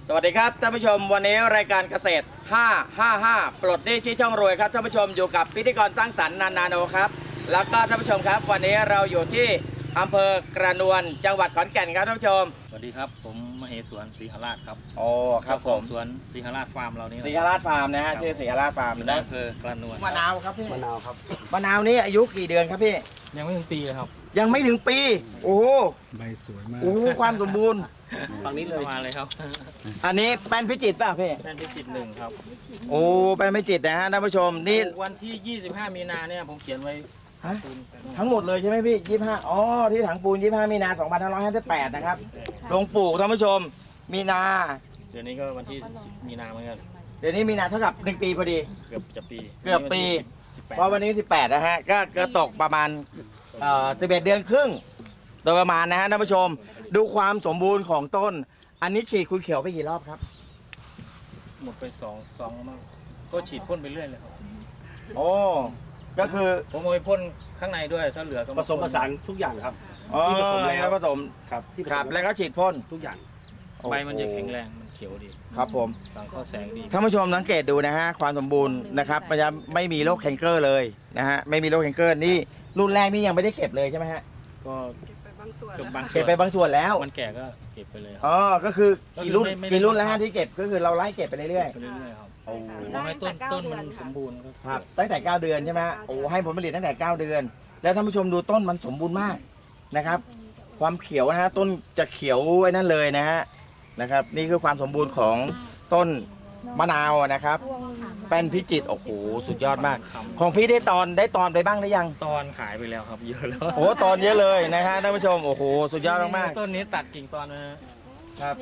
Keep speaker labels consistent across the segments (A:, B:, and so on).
A: สวัสดีครับท่านผู้ชมวันนี้รายการเกษตร555ปลดหนี้ชี้ช่องรวยครับท่านผู้ชมอยู่กับพิธีกรสร้างสรรค์นาโนครับแล้วก็ท่านผู้ชมครับวันนี้เราอยู่ที่อำเภอกระนวนจังหวัดขอนแก่นครับท่านผู้ชม
B: สวัสดีครับผมมเหสวนศรีหราชครับ
A: โอ้ครับผม
B: สวนศรีหราชฟาร์มเรานี่
A: ศรีหราชฟาร์มนะฮะชื่อศรีหราชฟาร์ม
B: อยู่ในอำเภอกระนวน
A: มะนาวครับพี่
C: มะนาวครับ
A: มะนาวนี้อายุกี่เดือนครับพี่
B: ยังไม่ถึงปีเลยครับ
A: ยังไม่ถึงปีโอ้
C: ใบสวยมาก
A: โอ้ความสมบูรณ์
B: ฝั่งนี้เลยมาเลยครับ
A: อันนี้แป้นพิจิตรป่ะพี่
B: แป้นพิจิตรหนึ่งครับ
A: โอ้แป้นพิจิตรนะฮะท่านผู้ชมนี่
B: วันที่25มีนาเนี่ยผมเขียนไว้
A: ทั้งหมดเลยใช่ไหมพี่25อ๋อที่ถังปูน25มีนา2558นะครับลงปลูกท่านผู้ชมมีนา
B: เดี๋ยวนี้ก็วันที่มีนาเหมือนกัน
A: เดี๋ยวนี้มีนาเท่ากับ1 ปีพอดี
B: เกือบจะปี
A: เพราะวันนี้18นะฮะก็ตกประมาณ11 เดือนครึ่งโดยประมาณนะฮะท่านผู้ชมดูความสมบูรณ์ของต้นอันนี้ฉีดคุณเขียวไปกี่รอบครับ
B: หมดไปสองมั้งก็ฉีดพ่นไปเรื่อยเลยครับ
A: โอ้ก็คือ
B: ผมเอาไปพ่นข้างในด้วยถ้าเหลือก็
C: ผสมผสานทุกอย่างครับ
A: ที่ผสมแล้วผสม
C: ครับที่
A: ครับแล้วก็ฉีดพ่น
C: ทุกอย่าง
B: ใบมันจะแข็งแรงมันเขียวดี
A: ครับผม
B: สังเคราะห์แสงดี
A: ท่านผู้ชมสังเกตดูนะฮะความสมบูรณ์นะครับมันจะไม่มีโรคแคนเกอร์เลยนะฮะไม่มีโรคแคนเกอร์นี่รุ่นแรกนี่ยังไม่ได้เก็บเลยใช่ไหมฮะ
B: ก็
A: เก็บไปบางส่วนแล้ว
B: มันแก่ก็เก็บไปเลย
A: อ๋อก็คือกี่รุ่นแล้วฮะที่เก็บก็คือเราไล่เก็บไปเรื่อย
B: ๆครับโอ้ให้ต้นมันสมบูรณ์
A: ครับตั้งแต่9 เดือนใช่ไหมโอ้ให้ผลผลิตตั้งแต่9 เดือนแล้วท่านผู้ชมดูต้นมันสมบูรณ์มากนะครับความเขียวนะฮะต้นจะเขียวไว้นั่นเลยนะครับนี่คือความสมบูรณ์ของต้นมะนาวนะครับแป้นพิจิตรโอ้โหสุดยอดมากของพี่ได้ตอนไปบ้างหรือยัง
B: ตอนขายไปแล้วครับเยอะแล้ว
A: โอ้ตอนเยอะเลยนะฮะท่านผู้ชมโอ้โหสุดยอดมาก
B: ต้นนี้ตัดกิ่งตอนนะครับ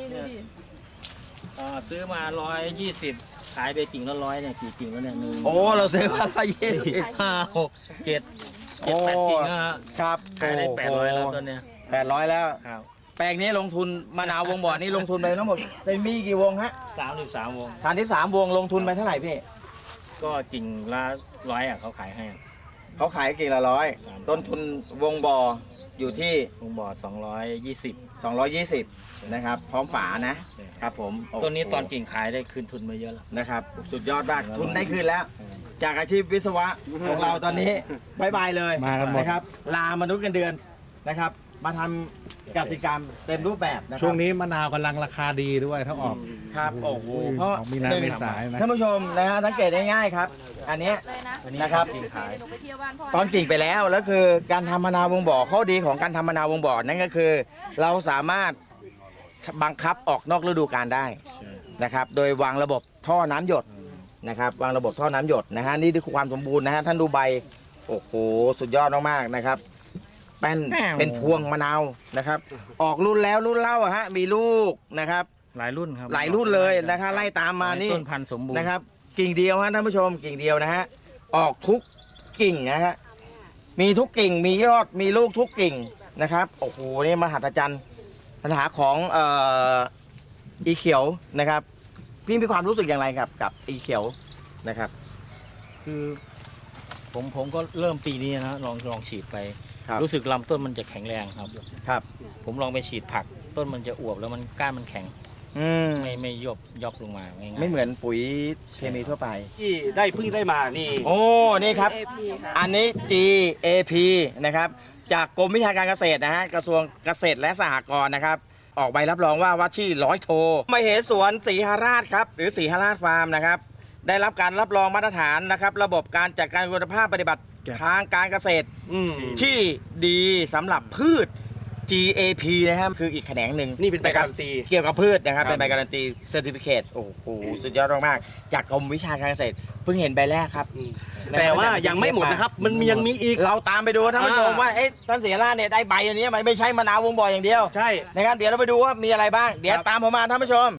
B: ซื้อมา120ขายไปกิ่งละ100เนี่ยกี่กิ่งแล้วเนี่ย
A: โอ้เราซื้อมา120
B: 5 6 7 8กิ่ง
A: ครับ
B: ขายได้800แล้วต้นเนี้ย
A: 800แล้ว
B: ครับ
A: แปลงนี้ลงทุนมะนาววงบ่อนี่ลงทุนไปทั้งหมดเป็นมีกี่วงฮะ
B: 33 วง
A: 33 วงลงทุนไปเท่าไหร่พี่
B: ก็กิ่งละ100เขาขายให้
A: เขาขายกิ่งละ100ต้นทุนวงบ่ออยู่ที่
B: วงบ่อ
A: 220นะครับพร้อมฝานะครับผม
B: ต้นนี้ตอนกิ่งขายได้คืนทุนมาเยอะแล้ว
A: นะครับสุดยอดมากทุนได้คืนแล้วจากอาชีพวิศวะของเราตอนนี้บายบายเลยนะครับลามนุษย์เงินเดือนนะครับมาทำกสิกรรมเต็มรูปแบบนะครับ
C: ช่วงนี้มะนาวกำลังราคาดีด้วยถ้าออก
A: ครับโอ้โหเพราะ
C: มีนาเมษายน
A: ท่านผู้ชมนะฮะสังเกตได้ง่ายครับอันนี้นะครับตอนกิ่งไปแล้วคือการทำมะนาววงบ่อข้อดีของการทำมะนาววงบ่อนั่นก็คือเราสามารถบังคับออกนอกฤดูกาลได้นะครับโดยวางระบบท่อน้ำหยดนะครับวางระบบท่อน้ำหยดนะฮะนี่คือความสมบูรณ์นะฮะท่านดูใบโอ้โหสุดยอดมากๆนะครับเป็นพวงมะนาวนะครับออกรุ่นแล้วรุ่นเล่าฮะมีลูกนะครับ
B: หลายรุ่นครับ
A: หลายรุ่นเลยนะครับไล่ตามมานี่
B: ต้นพันธุ์สมบูรณ์
A: นะครับกิ่งเดียวฮะท่านผู้ชมกิ่งเดียวนะฮะออกทุกกิ่งนะฮะมีทุกกิ่งมียอดมีลูกทุกกิ่งนะครับโอ้โหนี่มหัศจรรย์ปัญหาของอีเขียวนะครับพี่มีความรู้สึกอย่างไรครับกับอีเขียวนะครับ
B: คือผมก็เริ่มปีนี้นะลองฉีดไปรู้สึกลำต้นมันจะแข็งแรงครับผมลองไปฉีดผักต้นมันจะอวบแล้วมันก้านมันแข็งไม่ยกลงมา
A: ไม่เหมือนปุ๋ยเคมีทั่วไป
C: ที่เพิ่งได้มานี่
A: โอ้นี่ครับอันนี้ GAP นะครับจากกรมวิชาการเกษตรนะฮะกระทรวงเกษตรและสหกรณ์นะครับออกใบรับรองว่าที่100 โทมเหสวนศรีหราชครับหรือศรีหราชฟาร์มนะครับได้รับการรับรองมาตรฐานนะครับระบบการจัดการคุณภาพปฏิบัติทางการเกษตรที่ดีสำหรับพืช GAP นะครับคืออีกแขนงหนึ่ง
C: นี่เป็นใบการันตี
A: เกี่ยวกับพืชนะครับเป็นใบการันตีเซอร์ติฟิเคตโอ้โหสุดยอดมากๆจากกรมวิชาการเกษตรเพิ่งเห็นใบแรกครับ
C: แต่ว่ายังไม่หมดนะครับมันยังมีอีก
A: เราตามไปดูท่านผู้ชมว่าท่านศรีหราชเนี่ยได้ใบอันนี้ไม่ใช่มะนาววงบ่ออย่างเดียว
C: ใช่
A: นะครับเดี๋ยวเราไปดูว่ามีอะไรบ้างเดี๋ยวตามผมมาท่านผู้ชม